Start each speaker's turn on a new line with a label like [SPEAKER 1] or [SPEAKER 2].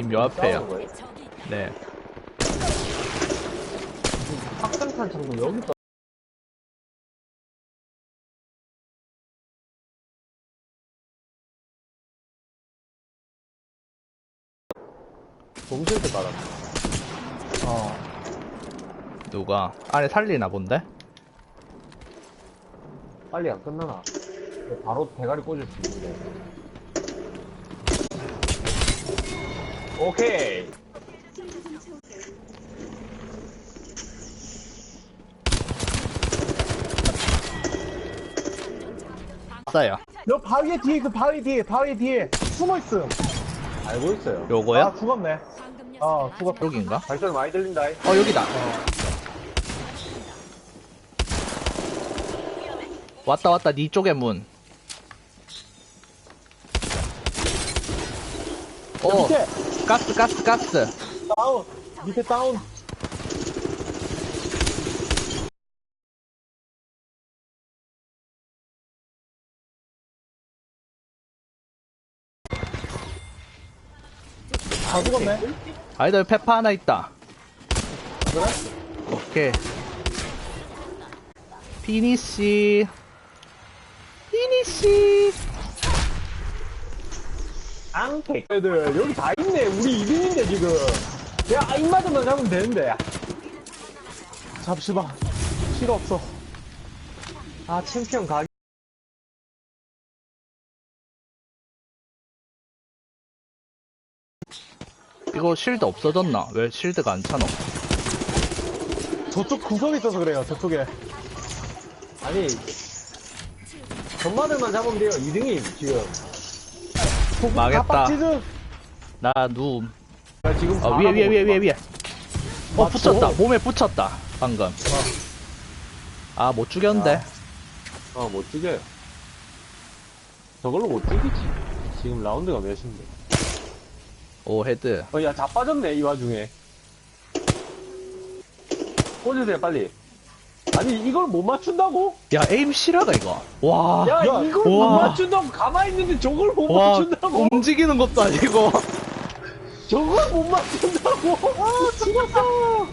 [SPEAKER 1] 지금 요 앞에요.
[SPEAKER 2] 싸우는 거예요?
[SPEAKER 1] 네.
[SPEAKER 2] 확장탄 창도 여기 있다. 동실드 깔았네.
[SPEAKER 1] 누가 안에 살리나 본데?
[SPEAKER 2] 빨리 안 끝나나? 바로 대가리 꽂을 수 있는데. 오케이.
[SPEAKER 1] 왔어요.
[SPEAKER 3] 너 바위 뒤에 그 바위 뒤에 숨어있음.
[SPEAKER 2] 알고 있어요.
[SPEAKER 1] 요거요?
[SPEAKER 3] 아 죽었네. 죽었다.
[SPEAKER 1] 여긴가?
[SPEAKER 2] 발소리 많이 들린다.
[SPEAKER 1] 여기다. 왔다 니 쪽에 문.
[SPEAKER 3] 밑에
[SPEAKER 1] 가스.
[SPEAKER 3] 다운. 밑에 다운. 다 죽었네.
[SPEAKER 1] 아이들 페파 하나 있다.
[SPEAKER 3] 그래?
[SPEAKER 1] 오케이. 피니시.
[SPEAKER 2] 앙택.
[SPEAKER 3] 애들 여기 다 있네. 우리 2등인데 지금. 야 입맞으면 잡으면 되는데. 잡시봐. 필요 없어.
[SPEAKER 2] 아, 챔피언 가기.
[SPEAKER 1] 이거 실드 없어졌나? 왜 실드가 안 차노?
[SPEAKER 3] 저쪽 구석에 있어서 그래요. 저쪽에.
[SPEAKER 2] 아니, 전마들만 잡으면 돼요. 2등임, 지금.
[SPEAKER 1] 망했다.
[SPEAKER 3] 빡치즈.
[SPEAKER 1] 나 누움.
[SPEAKER 2] 나 지금
[SPEAKER 1] 위에.
[SPEAKER 3] 맞죠?
[SPEAKER 1] 붙였다. 몸에 붙였다. 방금. 아, 못 죽였는데.
[SPEAKER 2] 못 죽여요. 저걸로 못 죽이지. 지금 라운드가 몇인데.
[SPEAKER 1] 오, 헤드.
[SPEAKER 2] 야, 다 빠졌네, 이 와중에. 꽂으세요, 빨리. 아니, 이걸 못 맞춘다고?
[SPEAKER 1] 야, 에임 실화가 이거. 와.
[SPEAKER 2] 야,
[SPEAKER 3] 야,
[SPEAKER 2] 이걸 못
[SPEAKER 1] 와.
[SPEAKER 2] 맞춘다고? 가만히 있는데 저걸 못
[SPEAKER 1] 와,
[SPEAKER 2] 맞춘다고?
[SPEAKER 1] 움직이는 것도 아니고.
[SPEAKER 2] 저걸 못 맞춘다고? 아, 죽었어!